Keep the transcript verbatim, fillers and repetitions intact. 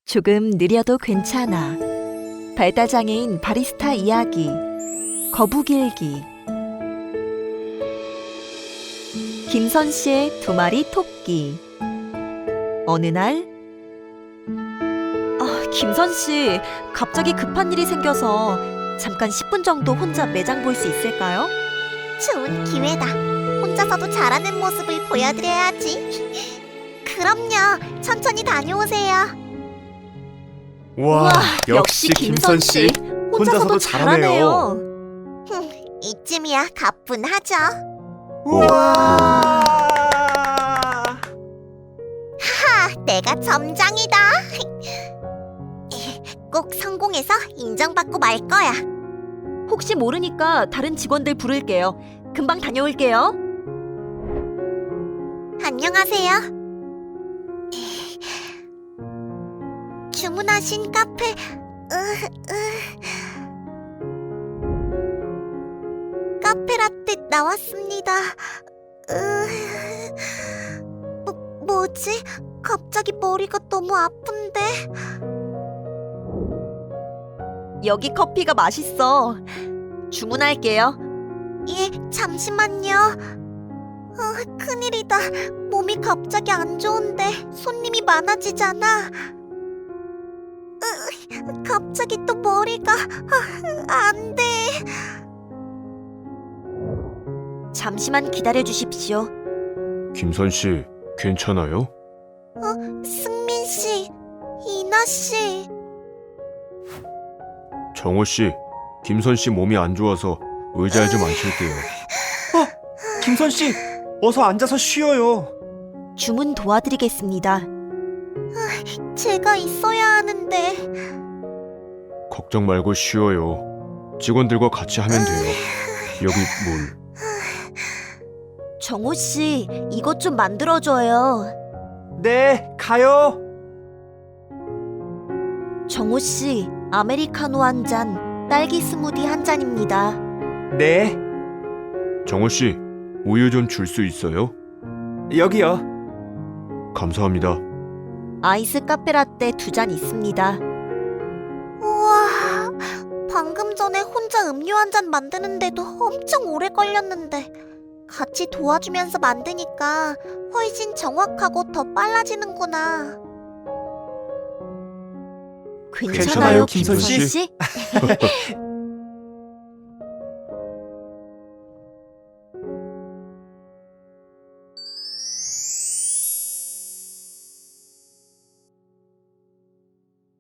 조금 느려도 괜찮아. 발달장애인 바리스타 이야기. 거북일기. 김선 씨의 두 마리 토끼. 어느 날, 아, 김선 씨, 갑자기 급한 일이 생겨서 잠깐 십 분 정도 혼자 매장 볼 수 있을까요? 좋은 기회다. 혼자서도 잘하는 모습을 보여드려야지. 그럼요. 천천히 다녀오세요. 와, 역시 김선 씨 혼자서도 잘하네요. 이쯤이야 가뿐하죠. 우와. 하, 내가 점장이다. 꼭 성공해서 인정받고 말 거야. 혹시 모르니까 다른 직원들 부를게요. 금방 다녀올게요. 안녕하세요. 주문하신 카페 으, 으. 카페라떼 나왔습니다. 으. 뭐, 뭐지? 갑자기 머리가 너무 아픈데. 여기 커피가 맛있어. 주문할게요. 예, 잠시만요. 어, 큰일이다. 몸이 갑자기 안 좋은데 손님이 많아지잖아. 으, 갑자기 또 머리가 아, 안 돼. 잠시만 기다려 주십시오. 김선 씨, 괜찮아요? 승민 씨, 이나 씨. 정호 씨, 김선 씨 몸이 안 좋아서 의자에 좀 앉힐게요. 김선 씨, 어서 앉아서 쉬어요. 주문 도와드리겠습니다. 제가 있어야 하는데. 걱정 말고 쉬어요. 직원들과 같이 하면 돼요. 여기 물. 정호 씨, 이것 좀 만들어줘요. 네, 가요. 정호 씨, 아메리카노 한 잔, 딸기 스무디 한 잔입니다. 네, 정호 씨, 우유 좀 줄 수 있어요? 여기요. 감사합니다. 아이스 카페라떼 두 잔 있습니다. 우와, 방금 전에 혼자 음료 한 잔 만드는데도 엄청 오래 걸렸는데 같이 도와주면서 만드니까 훨씬 정확하고 더 빨라지는구나. 괜찮아요, 김선 김선 씨? 씨?